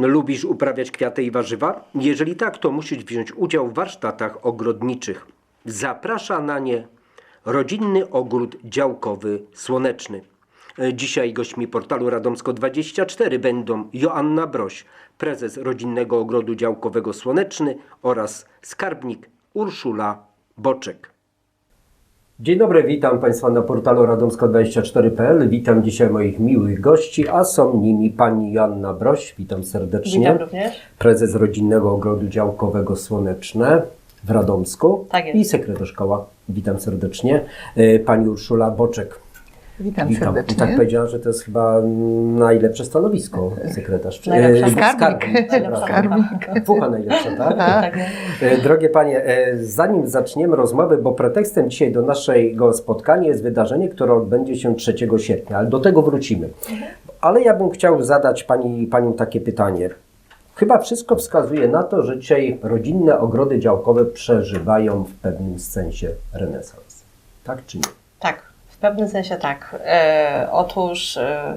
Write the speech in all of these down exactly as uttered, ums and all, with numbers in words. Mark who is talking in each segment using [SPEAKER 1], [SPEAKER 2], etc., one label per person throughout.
[SPEAKER 1] Lubisz uprawiać kwiaty i warzywa? Jeżeli tak, to musisz wziąć udział w warsztatach ogrodniczych. Zaprasza na nie Rodzinny Ogród Działkowy Słoneczny. Dzisiaj gośćmi portalu Radomsko dwadzieścia cztery będą Joanna Broś, prezes Rodzinnego Ogrodu Działkowego Słoneczny oraz skarbnik Urszula Boczek. Dzień dobry, witam Państwa na portalu Radomsko dwadzieścia cztery kropka p l. Witam dzisiaj moich miłych gości, a są nimi pani Joanna Broś, witam serdecznie.
[SPEAKER 2] Witam również.
[SPEAKER 1] Prezes Rodzinnego Ogrodu Działkowego Słoneczne w Radomsku.
[SPEAKER 2] Tak jest.
[SPEAKER 1] I sekretarz koła, witam serdecznie. Pani Urszula Boczek.
[SPEAKER 3] Witam,
[SPEAKER 1] Witam.
[SPEAKER 3] serdecznie.
[SPEAKER 1] I tak powiedziałam, że to jest chyba najlepsze stanowisko, sekretarz.
[SPEAKER 2] Najlepsza.
[SPEAKER 3] Skarbnik.
[SPEAKER 2] Skarbnik.
[SPEAKER 1] Fucha najlepsza, tak?
[SPEAKER 2] Tak.
[SPEAKER 1] E, Drogie panie, e, zanim zaczniemy rozmowę, bo pretekstem dzisiaj do naszego spotkania jest wydarzenie, które odbędzie się trzeciego sierpnia, ale do tego wrócimy. Ale ja bym chciał zadać pani, paniom takie pytanie. Chyba wszystko wskazuje na to, że dzisiaj rodzinne ogrody działkowe przeżywają w pewnym sensie renesans. Tak czy nie?
[SPEAKER 2] Tak, w pewnym sensie tak. E, otóż e,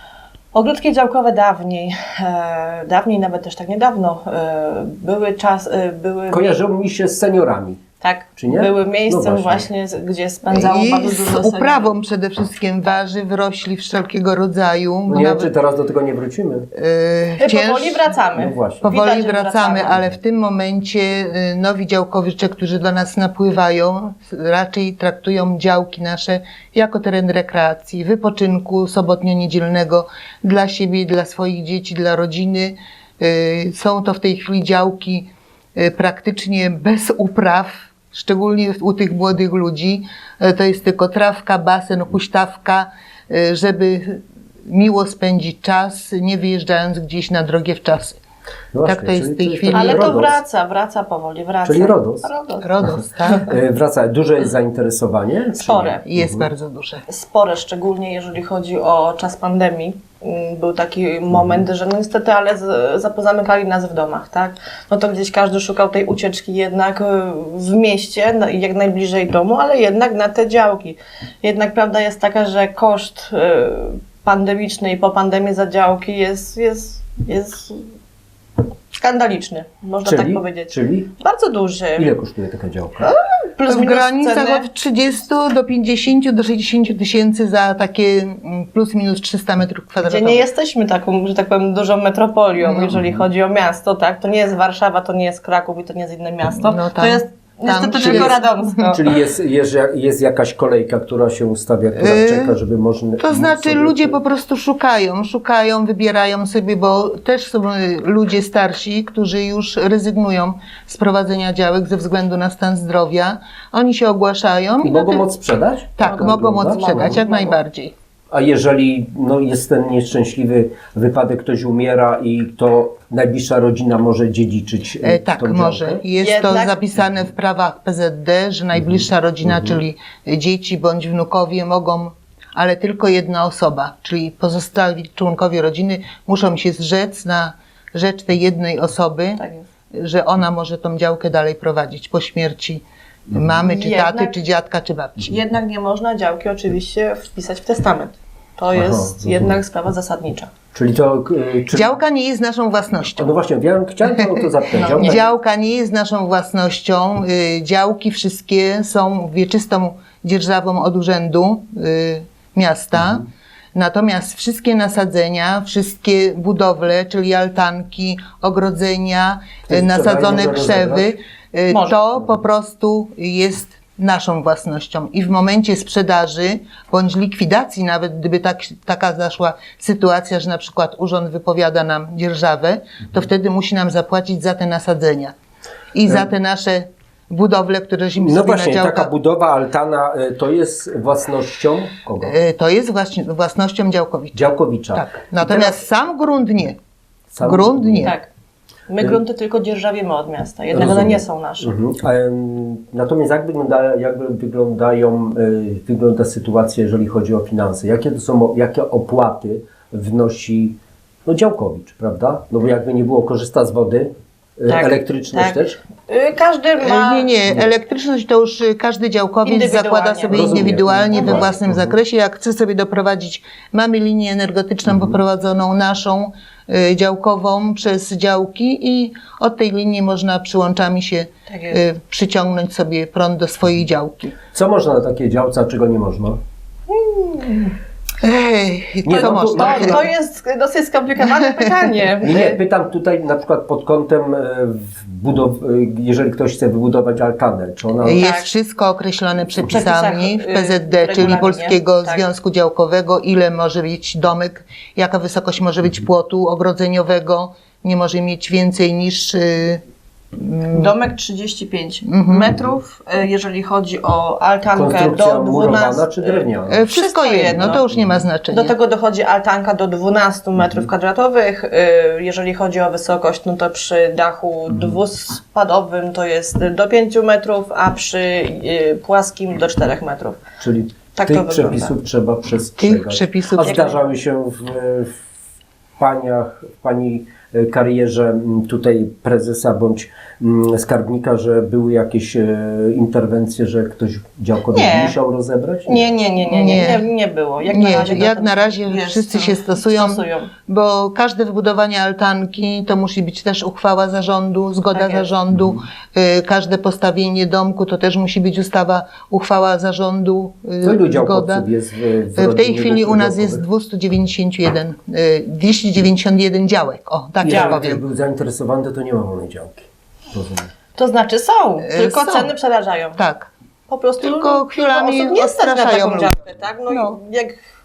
[SPEAKER 2] ogródki działkowe dawniej, e, dawniej nawet też tak niedawno, e, były czas, e, były...
[SPEAKER 1] Kojarzą mi się z seniorami.
[SPEAKER 2] Tak,
[SPEAKER 1] Czy nie?
[SPEAKER 2] były miejscem
[SPEAKER 1] No właśnie.
[SPEAKER 2] właśnie, z- gdzie spędzało
[SPEAKER 3] I
[SPEAKER 2] bardzo
[SPEAKER 3] z
[SPEAKER 2] dużo seniorów.
[SPEAKER 3] uprawą przede wszystkim warzyw, rośli wszelkiego rodzaju.
[SPEAKER 1] No
[SPEAKER 3] bo
[SPEAKER 1] nie wiem,
[SPEAKER 3] nawet,
[SPEAKER 1] czy teraz do tego nie wrócimy.
[SPEAKER 3] e,
[SPEAKER 2] E,
[SPEAKER 3] cięż-
[SPEAKER 2] Powoli wracamy.
[SPEAKER 1] No właśnie.
[SPEAKER 3] Powoli
[SPEAKER 2] Widać, że
[SPEAKER 3] wracamy, ale w tym momencie y, nowi działkowicze, którzy do nas napływają, raczej traktują działki nasze jako teren rekreacji, wypoczynku sobotnio-niedzielnego dla siebie, dla swoich dzieci, dla rodziny. Y, Są to w tej chwili działki y, praktycznie bez upraw, szczególnie u tych młodych ludzi. Y, To jest tylko trawka, basen, huśtawka, y, żeby miło spędzić czas, nie wyjeżdżając gdzieś na drogie wczasy.
[SPEAKER 1] No
[SPEAKER 3] Tak to jest w tej
[SPEAKER 1] czyli
[SPEAKER 3] chwili.
[SPEAKER 1] taki
[SPEAKER 2] Ale to
[SPEAKER 1] RODOS.
[SPEAKER 2] wraca, wraca powoli, wraca.
[SPEAKER 1] Czyli RODOS.
[SPEAKER 2] RODOS.
[SPEAKER 3] RODOS, tak?
[SPEAKER 1] E, Wraca. Duże jest zainteresowanie? czy
[SPEAKER 2] Spore.
[SPEAKER 1] nie?
[SPEAKER 3] Jest
[SPEAKER 1] Mhm.
[SPEAKER 3] bardzo duże.
[SPEAKER 2] Spore, szczególnie jeżeli chodzi o czas pandemii. Mm, Był taki moment, że no niestety, ale z- zapozamykali nas w domach, tak? No to gdzieś każdy szukał tej ucieczki jednak y, w mieście, no i jak najbliżej domu, ale jednak na te działki. Jednak prawda jest taka, że koszt y, pandemiczny i po pandemii za działki jest, jest, jest skandaliczny, można
[SPEAKER 1] Czyli,
[SPEAKER 2] tak powiedzieć.
[SPEAKER 1] czyli
[SPEAKER 2] Bardzo duży.
[SPEAKER 1] ile kosztuje taka działka?
[SPEAKER 2] Plus
[SPEAKER 3] W
[SPEAKER 2] minus
[SPEAKER 3] granicach
[SPEAKER 2] ceny.
[SPEAKER 3] od trzydziestu do pięćdziesięciu do sześćdziesięciu tysięcy za takie mm, plus minus trzysta metrów
[SPEAKER 2] Gdzie
[SPEAKER 3] kwadratowych.
[SPEAKER 2] nie jesteśmy taką, że tak powiem, dużą metropolią,
[SPEAKER 3] No.
[SPEAKER 2] jeżeli chodzi o miasto, tak? To nie jest Warszawa, to nie jest Kraków i to nie jest inne miasto.
[SPEAKER 3] No
[SPEAKER 2] to
[SPEAKER 3] tam-
[SPEAKER 2] jest niestety
[SPEAKER 3] tam
[SPEAKER 2] tylko
[SPEAKER 3] jest-
[SPEAKER 2] Radomsko.
[SPEAKER 1] Czyli jest, jest, jest jakaś kolejka, która się ustawia, która
[SPEAKER 3] Yy,
[SPEAKER 1] czeka, żeby można...
[SPEAKER 3] To znaczy
[SPEAKER 1] sobie-
[SPEAKER 3] ludzie po prostu szukają, szukają, wybierają sobie, bo też są y, ludzie starsi, którzy już rezygnują z prowadzenia działek ze względu na stan zdrowia. Oni się ogłaszają.
[SPEAKER 1] I
[SPEAKER 3] na
[SPEAKER 1] mogą
[SPEAKER 3] te-
[SPEAKER 1] moc sprzedać?
[SPEAKER 3] Tak,
[SPEAKER 1] Tak
[SPEAKER 3] mogą
[SPEAKER 1] wygląda?
[SPEAKER 3] moc sprzedać, jak
[SPEAKER 2] Mogą.
[SPEAKER 3] najbardziej.
[SPEAKER 1] A jeżeli no, jest ten nieszczęśliwy wypadek, ktoś umiera i to najbliższa rodzina może dziedziczyć e,
[SPEAKER 3] E, tak,
[SPEAKER 1] tą
[SPEAKER 3] może.
[SPEAKER 1] działkę?
[SPEAKER 3] Jest
[SPEAKER 2] Jednak-
[SPEAKER 3] to zapisane w prawach P Z D, że najbliższa rodzina, czyli dzieci bądź wnukowie mogą, ale tylko jedna osoba, czyli pozostali członkowie rodziny muszą się zrzec na rzecz tej jednej osoby,
[SPEAKER 2] Tak jest.
[SPEAKER 3] że ona może tą działkę dalej prowadzić po śmierci mamy, czy
[SPEAKER 2] Jednak-
[SPEAKER 3] taty, czy dziadka, czy babci.
[SPEAKER 2] Jednak nie można działki oczywiście wpisać w testament. To jest
[SPEAKER 1] rozumiem.
[SPEAKER 2] jednak sprawa zasadnicza.
[SPEAKER 1] Czyli to... e, Czy...
[SPEAKER 3] Działka nie jest naszą własnością.
[SPEAKER 1] No właśnie, ja chciałem to, to zapytać.
[SPEAKER 2] No.
[SPEAKER 1] Działka-
[SPEAKER 3] Działka nie jest naszą własnością. Y, Działki wszystkie są wieczystą dzierżawą od urzędu y, miasta. Natomiast wszystkie nasadzenia, wszystkie budowle, czyli altanki, ogrodzenia,
[SPEAKER 1] Ktoś
[SPEAKER 3] y, nasadzone
[SPEAKER 1] wczoraj może
[SPEAKER 3] krzewy, y,
[SPEAKER 2] Może.
[SPEAKER 3] to po prostu jest naszą własnością. I w momencie sprzedaży bądź likwidacji, nawet gdyby tak, taka zaszła sytuacja, że na przykład urząd wypowiada nam dzierżawę, to wtedy musi nam zapłacić za te nasadzenia i za te nasze budowle, któreśmy
[SPEAKER 1] No
[SPEAKER 3] sobie
[SPEAKER 1] właśnie,
[SPEAKER 3] na
[SPEAKER 1] taka
[SPEAKER 3] działkach.
[SPEAKER 1] budowa, altana, e, to jest własnością kogo?
[SPEAKER 3] Y, To jest właśnie własnością działkowicza.
[SPEAKER 1] Działkowicza.
[SPEAKER 3] Tak.
[SPEAKER 1] I
[SPEAKER 3] Natomiast
[SPEAKER 1] teraz
[SPEAKER 3] sam grunt nie.
[SPEAKER 1] sam-
[SPEAKER 3] grunt nie.
[SPEAKER 2] Tak. My grunty tylko dzierżawimy od miasta, jednak one
[SPEAKER 1] Rozumiem.
[SPEAKER 2] nie są nasze.
[SPEAKER 1] Mhm. Em, Natomiast jak, wygląda, jak wyglądają, y, wygląda sytuacja, jeżeli chodzi o finanse? Jakie to są, jakie opłaty wnosi no, działkowicz, prawda? No bo jakby nie było, korzysta z wody, y,
[SPEAKER 2] Tak,
[SPEAKER 1] elektryczność
[SPEAKER 2] tak.
[SPEAKER 1] też?
[SPEAKER 2] Y, Każdy ma...
[SPEAKER 3] Nie, nie, elektryczność to już y, każdy działkowiec
[SPEAKER 2] Indywidualnie.
[SPEAKER 3] zakłada sobie
[SPEAKER 1] Rozumiem.
[SPEAKER 3] indywidualnie
[SPEAKER 1] No
[SPEAKER 3] we
[SPEAKER 1] właśnie.
[SPEAKER 3] własnym
[SPEAKER 1] Mhm.
[SPEAKER 3] zakresie. Jak chce sobie doprowadzić, mamy linię energetyczną poprowadzoną naszą, y, działkową przez działki i od tej linii można przyłączami się
[SPEAKER 2] Tak jest.
[SPEAKER 3] y, przyciągnąć sobie prąd do swojej działki.
[SPEAKER 1] Co można na takiej działce, a czego nie można?
[SPEAKER 3] Ej,
[SPEAKER 1] Nie,
[SPEAKER 3] co
[SPEAKER 1] no,
[SPEAKER 3] można?
[SPEAKER 2] To, to jest dosyć skomplikowane pytanie.
[SPEAKER 1] Nie, nie, pytam tutaj na przykład pod kątem e, budow- e, jeżeli ktoś chce wybudować altanę, czy ona...
[SPEAKER 3] Jest
[SPEAKER 2] Tak.
[SPEAKER 3] wszystko określone przepisami
[SPEAKER 2] przepisach,
[SPEAKER 3] w
[SPEAKER 2] y,
[SPEAKER 3] P Z D,
[SPEAKER 2] w
[SPEAKER 3] czyli
[SPEAKER 2] regulaminie,
[SPEAKER 3] Polskiego
[SPEAKER 2] tak.
[SPEAKER 3] Związku Działkowego, ile może być domek, jaka wysokość może być płotu ogrodzeniowego, nie może mieć więcej niż y,
[SPEAKER 2] Domek trzydzieści pięć
[SPEAKER 3] Mhm.
[SPEAKER 2] metrów, y, jeżeli chodzi o altankę
[SPEAKER 1] Konstrukcja
[SPEAKER 2] do
[SPEAKER 1] murowana
[SPEAKER 2] dwunastu.
[SPEAKER 1] czy drewniana?
[SPEAKER 3] y, wszystko jedno, to już nie ma znaczenia.
[SPEAKER 2] Do tego dochodzi altanka do dwunastu metrów kwadratowych. Y, Jeżeli chodzi o wysokość, no to przy dachu dwuspadowym to jest do pięciu metrów, a przy y, płaskim do czterech metrów.
[SPEAKER 1] Czyli
[SPEAKER 2] Tak to
[SPEAKER 1] tych
[SPEAKER 2] wygląda.
[SPEAKER 1] przepisów trzeba przestrzegać.
[SPEAKER 3] Tych przepisów
[SPEAKER 1] A
[SPEAKER 3] jak-
[SPEAKER 1] zdarzały się w, w paniach, w pani karierze m, tutaj prezesa bądź m, skarbnika, że były jakieś e, interwencje, że ktoś działkowiec
[SPEAKER 2] Nie.
[SPEAKER 1] musiał rozebrać?
[SPEAKER 2] Nie, nie, nie, nie, nie, nie, nie było. Jak
[SPEAKER 3] Nie,
[SPEAKER 2] na razie,
[SPEAKER 3] jak
[SPEAKER 2] to-
[SPEAKER 3] na razie
[SPEAKER 2] jest,
[SPEAKER 3] wszyscy się stosują,
[SPEAKER 2] stosują.
[SPEAKER 3] bo każde wybudowanie altanki to musi być też uchwała zarządu, zgoda
[SPEAKER 2] Tak jest.
[SPEAKER 3] zarządu, y, każde postawienie domku to też musi być ustawa, uchwała zarządu, y,
[SPEAKER 1] To ilu
[SPEAKER 3] zgoda.
[SPEAKER 1] działkowców jest w, w,
[SPEAKER 3] W tej
[SPEAKER 1] rodzinie
[SPEAKER 3] chwili u nas jest
[SPEAKER 1] działkowych?
[SPEAKER 3] dwieście dziewięćdziesiąt jeden, y, dwieście dziewięćdziesiąt jeden działek, o tak
[SPEAKER 1] Jeżeli
[SPEAKER 3] ja
[SPEAKER 1] ktoś
[SPEAKER 3] powiem.
[SPEAKER 1] był zainteresowany, to, to nie ma wolnej działki. Rozumiem.
[SPEAKER 2] To znaczy są, tylko
[SPEAKER 3] są.
[SPEAKER 2] ceny przerażają.
[SPEAKER 3] Tak.
[SPEAKER 2] Po prostu
[SPEAKER 3] Tylko chwilami
[SPEAKER 2] osób nie stać na
[SPEAKER 3] odstraszają
[SPEAKER 2] taką
[SPEAKER 3] ludzi.
[SPEAKER 2] działkę, tak? No,
[SPEAKER 3] No.
[SPEAKER 2] i jak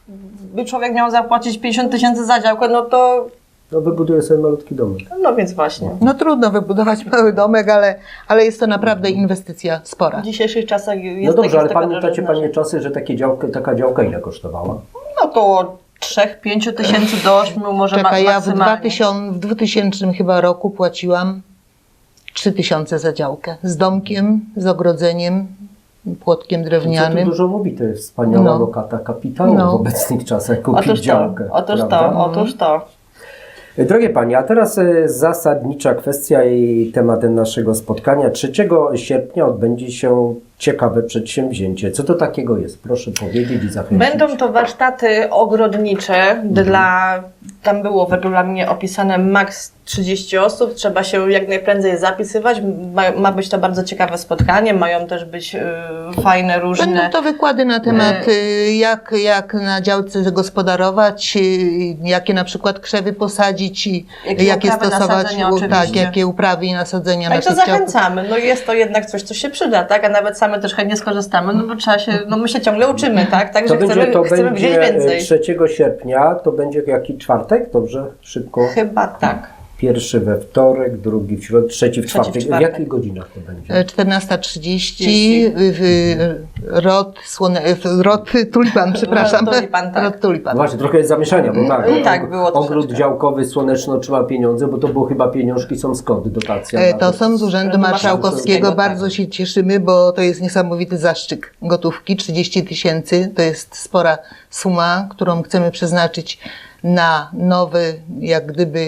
[SPEAKER 2] by człowiek miał zapłacić pięćdziesiąt tysięcy za działkę, no to
[SPEAKER 1] No wybuduję sobie malutki domek.
[SPEAKER 2] no więc właśnie.
[SPEAKER 3] No trudno wybudować mały domek, ale, ale jest to naprawdę inwestycja spora.
[SPEAKER 2] W dzisiejszych czasach jest
[SPEAKER 1] No dobrze,
[SPEAKER 2] tak,
[SPEAKER 1] ale
[SPEAKER 2] jest taka
[SPEAKER 1] pamiętacie
[SPEAKER 2] drożyzna,
[SPEAKER 1] panie czasy, że takie działkę, taka działka ile kosztowała?
[SPEAKER 2] że około trzech pięciu tysięcy do ośmiu może ma-
[SPEAKER 3] Czekaj, ja w
[SPEAKER 2] maksymalnie.
[SPEAKER 3] dwutysięcznym, w dwutysięcznym chyba roku płaciłam trzy tysiące za działkę. Z domkiem, z ogrodzeniem, płotkiem
[SPEAKER 1] Co tu
[SPEAKER 3] drewnianym.
[SPEAKER 1] dużo mówi, to jest wspaniała
[SPEAKER 3] No.
[SPEAKER 1] lokata kapitału
[SPEAKER 3] No.
[SPEAKER 1] w obecnych czasach, kupić
[SPEAKER 2] Otóż to,
[SPEAKER 1] działkę.
[SPEAKER 2] otóż
[SPEAKER 1] prawda?
[SPEAKER 2] to, otóż to.
[SPEAKER 1] Drogie Panie, a teraz e, zasadnicza kwestia i temat naszego spotkania. trzeciego sierpnia odbędzie się ciekawe przedsięwzięcie. Co to takiego jest? Proszę powiedzieć i zachęcić.
[SPEAKER 2] Będą to warsztaty ogrodnicze dla, tam było w regulaminie opisane maks trzydzieści osób, trzeba się jak najprędzej zapisywać, ma, ma być to bardzo ciekawe spotkanie, mają też być y, fajne, różne...
[SPEAKER 3] Będą to wykłady na temat, y, jak, jak na działce zagospodarować, y, jakie na przykład krzewy posadzić i
[SPEAKER 2] Jakie
[SPEAKER 3] jakie
[SPEAKER 2] uprawy,
[SPEAKER 3] stosować,
[SPEAKER 2] nasadzenia
[SPEAKER 3] u-
[SPEAKER 2] oczywiście.
[SPEAKER 3] tak, jakie uprawy i nasadzenia na
[SPEAKER 2] Także
[SPEAKER 3] tych działkach.
[SPEAKER 2] zachęcamy, no jest to jednak coś, co się przyda, tak, a nawet same też chętnie skorzystamy, no bo trzeba się, no my się ciągle uczymy, tak, także
[SPEAKER 1] To będzie,
[SPEAKER 2] chcemy,
[SPEAKER 1] to
[SPEAKER 2] chcemy wziąć
[SPEAKER 1] będzie
[SPEAKER 2] więcej.
[SPEAKER 1] trzeciego sierpnia, to będzie jaki czwartek? Dobrze, szybko.
[SPEAKER 2] Chyba tak.
[SPEAKER 1] Pierwszy we wtorek, drugi w środę, trzeci w
[SPEAKER 2] Trzeci w
[SPEAKER 1] czwartek. W
[SPEAKER 2] czwartek.
[SPEAKER 1] jakich godzinach to będzie?
[SPEAKER 3] E, czternasta trzydzieści w rod, słone, w rod tulipan, przepraszam.
[SPEAKER 2] Rod tulipan, tak.
[SPEAKER 3] Rod tulipan.
[SPEAKER 1] No właśnie, trochę jest zamieszania, bo tak,
[SPEAKER 2] Mm,
[SPEAKER 1] bo
[SPEAKER 2] tak, było
[SPEAKER 1] ogród
[SPEAKER 2] troszeczkę.
[SPEAKER 1] działkowy Słoneczny otrzyma pieniądze, bo to było chyba pieniążki są skąd, dotacja?
[SPEAKER 3] E,
[SPEAKER 1] na
[SPEAKER 3] To są z Urzędu
[SPEAKER 2] Urzędu
[SPEAKER 3] Marszałkowskiego.
[SPEAKER 2] Marszałkowskiego,
[SPEAKER 3] Bardzo
[SPEAKER 2] tak.
[SPEAKER 3] się cieszymy, bo to jest niesamowity zaszczyt gotówki. trzydzieści tysięcy to jest spora suma, którą chcemy przeznaczyć na nowy, jak gdyby,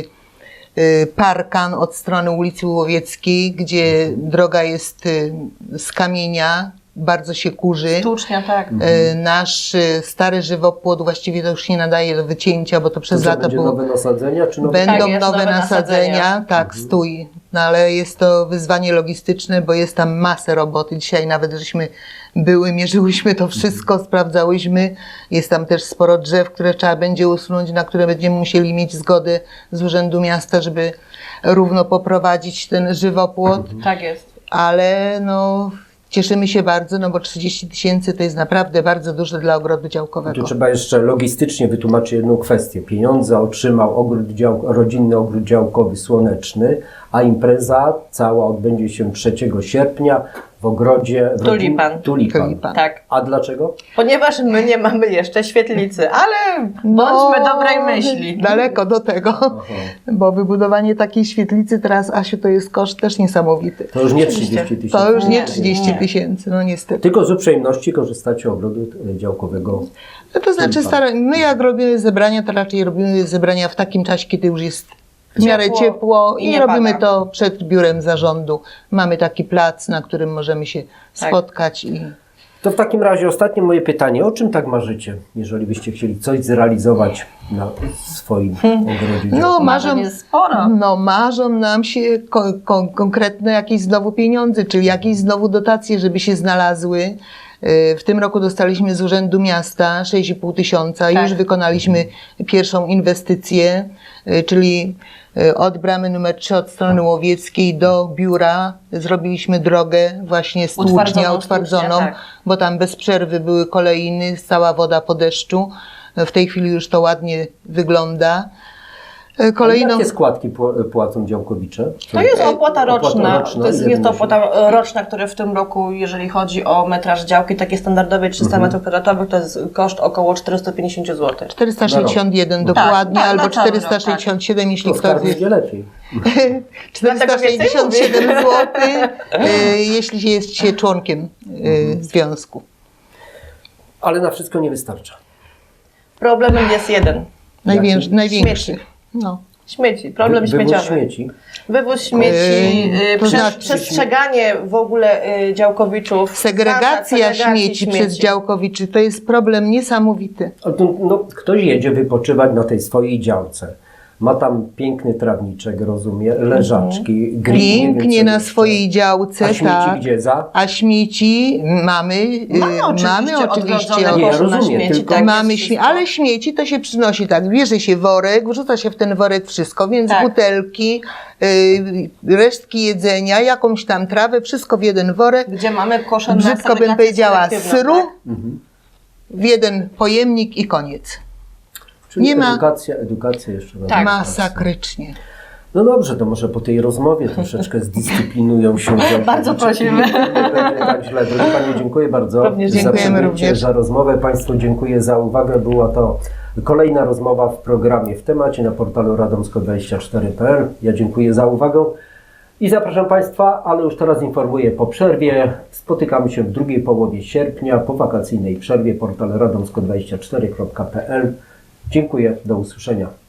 [SPEAKER 3] y, parkan od strony ulicy Łowieckiej, gdzie droga jest y, z kamienia, bardzo się kurzy.
[SPEAKER 2] Sztucznia, tak.
[SPEAKER 3] Y, Nasz y, stary żywopłot właściwie to już nie nadaje do wycięcia, bo to
[SPEAKER 1] To
[SPEAKER 3] przez
[SPEAKER 1] co,
[SPEAKER 3] lata
[SPEAKER 1] będzie
[SPEAKER 3] było...
[SPEAKER 1] nowe nasadzenia, czy nowe...
[SPEAKER 3] Będą
[SPEAKER 2] Tak, jest,
[SPEAKER 3] nowe
[SPEAKER 2] nowe
[SPEAKER 3] nasadzenia,
[SPEAKER 2] nasadzenia.
[SPEAKER 3] tak, stój. No ale jest to wyzwanie logistyczne, bo jest tam masę roboty. Dzisiaj nawet żeśmy były, mierzyłyśmy to wszystko, sprawdzałyśmy. Jest tam też sporo drzew, które trzeba będzie usunąć, na które będziemy musieli mieć zgodę z Urzędu Miasta, żeby równo poprowadzić ten żywopłot.
[SPEAKER 2] Tak jest.
[SPEAKER 3] Ale no, cieszymy się bardzo, no bo trzydzieści tysięcy to jest naprawdę bardzo dużo dla ogrodu działkowego.
[SPEAKER 1] Tu trzeba jeszcze logistycznie wytłumaczyć jedną kwestię. Pieniądze otrzymał ogród dział, rodzinny ogród działkowy Słoneczny, a impreza cała odbędzie się trzeciego sierpnia w ogrodzie w rodzin-
[SPEAKER 2] Tulipan.
[SPEAKER 1] Tulipan.
[SPEAKER 3] Tulipan.
[SPEAKER 2] Tak.
[SPEAKER 1] A dlaczego?
[SPEAKER 2] Ponieważ my nie mamy jeszcze świetlicy, ale
[SPEAKER 3] No,
[SPEAKER 2] bądźmy dobrej myśli.
[SPEAKER 3] Daleko do tego,
[SPEAKER 1] Aha.
[SPEAKER 3] bo wybudowanie takiej świetlicy teraz, Asiu, to jest koszt też niesamowity.
[SPEAKER 1] To już nie
[SPEAKER 2] Oczywiście.
[SPEAKER 1] trzydzieści tysięcy.
[SPEAKER 3] To już nie
[SPEAKER 2] Nie,
[SPEAKER 3] trzydzieści
[SPEAKER 2] nie.
[SPEAKER 3] tysięcy, no niestety.
[SPEAKER 1] Tylko z uprzejmości korzystacie ogrodu e, działkowego.
[SPEAKER 3] No to znaczy,
[SPEAKER 1] Tulipan.
[SPEAKER 3] stara, my jak robimy zebrania, to raczej robimy zebrania w takim czasie, kiedy już jest w miarę
[SPEAKER 2] Ciepło
[SPEAKER 3] ciepło
[SPEAKER 2] i
[SPEAKER 3] i
[SPEAKER 2] nie
[SPEAKER 3] robimy
[SPEAKER 2] pada.
[SPEAKER 3] to przed biurem zarządu. Mamy taki plac, na którym możemy się
[SPEAKER 2] Tak.
[SPEAKER 3] spotkać i
[SPEAKER 1] To w takim razie ostatnie moje pytanie. O czym tak marzycie, jeżeli byście chcieli coś zrealizować na swoim ogrodzie?
[SPEAKER 3] No, marzą,
[SPEAKER 2] Marzeń jest sporo.
[SPEAKER 3] no, marzą nam się ko- ko- konkretne jakieś znowu pieniądze, czyli jakieś znowu dotacje, żeby się znalazły. Y, W tym roku dostaliśmy z Urzędu Miasta sześć i pół tysiąca.
[SPEAKER 2] Tak.
[SPEAKER 3] Już wykonaliśmy pierwszą inwestycję, y, czyli y, od bramy numer trzy, od strony łowieckiej do biura zrobiliśmy drogę właśnie stłucznia,
[SPEAKER 2] Utwardzoną
[SPEAKER 3] utwardzoną,
[SPEAKER 2] stłucznię, tak.
[SPEAKER 3] bo tam bez przerwy były kolejny, cała woda po deszczu. W tej chwili już to ładnie wygląda. Y, Kolejną...
[SPEAKER 1] Jakie składki pł- płacą działkowicze?
[SPEAKER 2] To jest opłata roczna.
[SPEAKER 1] Opłata roczna.
[SPEAKER 2] To jest,
[SPEAKER 1] Ile
[SPEAKER 2] jest to
[SPEAKER 1] wynosi?
[SPEAKER 2] opłata roczna, która w tym roku, jeżeli chodzi o metraż działki, takie standardowe trzysta metrów kwadratowych, to jest koszt około czterysta pięćdziesiąt złotych.
[SPEAKER 3] czterysta sześćdziesiąt jeden dokładnie,
[SPEAKER 2] Tak, tak,
[SPEAKER 3] albo
[SPEAKER 2] na cały rok,
[SPEAKER 3] czterysta sześćdziesiąt siedem, jeśli
[SPEAKER 1] To
[SPEAKER 3] ktoś
[SPEAKER 1] skarb będzie lepiej.
[SPEAKER 3] czterysta sześćdziesiąt
[SPEAKER 2] więcej
[SPEAKER 3] siedem złotych, jeśli jest się członkiem y, związku.
[SPEAKER 1] Ale na wszystko nie wystarcza.
[SPEAKER 2] Problemem jest jeden.
[SPEAKER 3] Największy.
[SPEAKER 1] Jaki?
[SPEAKER 3] największy.
[SPEAKER 2] Śmieci.
[SPEAKER 3] No.
[SPEAKER 2] Śmieci, problem
[SPEAKER 1] Wy- wywóz
[SPEAKER 2] śmieciowy.
[SPEAKER 1] śmieci.
[SPEAKER 2] Wywóz śmieci,
[SPEAKER 3] Yy,
[SPEAKER 2] yy,
[SPEAKER 3] to
[SPEAKER 2] prze-
[SPEAKER 3] znaczy-
[SPEAKER 2] przestrzeganie w ogóle yy, działkowiczów.
[SPEAKER 3] Segregacja
[SPEAKER 2] zasad segregacji
[SPEAKER 3] śmieci, przez działkowiczy to jest problem niesamowity.
[SPEAKER 1] Ale to, no, ktoś jedzie wypoczywać na tej swojej działce. Ma tam piękny trawniczek, rozumie, leżaczki, grill, nie wiem,
[SPEAKER 3] Pięknie
[SPEAKER 1] co
[SPEAKER 3] na
[SPEAKER 1] jeszcze.
[SPEAKER 3] swojej działce,
[SPEAKER 1] A śmieci
[SPEAKER 3] tak.
[SPEAKER 1] gdzie? Za?
[SPEAKER 3] A śmieci mamy, y,
[SPEAKER 2] Mamy oczywiście,
[SPEAKER 3] mamy oczywiście
[SPEAKER 2] odgrodzone
[SPEAKER 1] Nie,
[SPEAKER 2] kosze na
[SPEAKER 1] rozumiem,
[SPEAKER 2] śmieci,
[SPEAKER 1] tylko-
[SPEAKER 2] tak,
[SPEAKER 3] mamy
[SPEAKER 2] jest
[SPEAKER 3] śmie-
[SPEAKER 2] wszystko.
[SPEAKER 3] ale śmieci to się przynosi tak, bierze się worek, wrzuca się w ten worek wszystko, więc
[SPEAKER 2] Tak.
[SPEAKER 3] butelki, y, resztki jedzenia, jakąś tam trawę, wszystko w jeden worek,
[SPEAKER 2] Gdzie mamy kosze na
[SPEAKER 3] brzydko bym
[SPEAKER 2] segregację
[SPEAKER 3] powiedziała
[SPEAKER 2] selektywną,
[SPEAKER 3] syru,
[SPEAKER 2] tak?
[SPEAKER 3] w jeden pojemnik i koniec.
[SPEAKER 1] Czyli
[SPEAKER 3] Nie ma-
[SPEAKER 1] edukacja, edukacja jeszcze. na
[SPEAKER 2] Tak.
[SPEAKER 1] edukację.
[SPEAKER 3] Masakrycznie.
[SPEAKER 1] No dobrze, to może po tej rozmowie troszeczkę zdyscyplinują się działkowicze.
[SPEAKER 2] Bardzo prosimy.
[SPEAKER 1] Nie będzie tak źle. Drogi Panie, dziękuję bardzo
[SPEAKER 2] Również
[SPEAKER 1] za
[SPEAKER 3] dziękujemy
[SPEAKER 1] przybycie,
[SPEAKER 3] również.
[SPEAKER 1] za rozmowę. Państwu dziękuję za uwagę. Była to kolejna rozmowa w programie W Temacie na portalu radomsko dwadzieścia cztery kropka p l. Ja dziękuję za uwagę i zapraszam Państwa, ale już teraz informuję po przerwie. Spotykamy się w drugiej połowie sierpnia po wakacyjnej przerwie. Portal radomsko dwadzieścia cztery kropka p l. Dziękuję, do usłyszenia.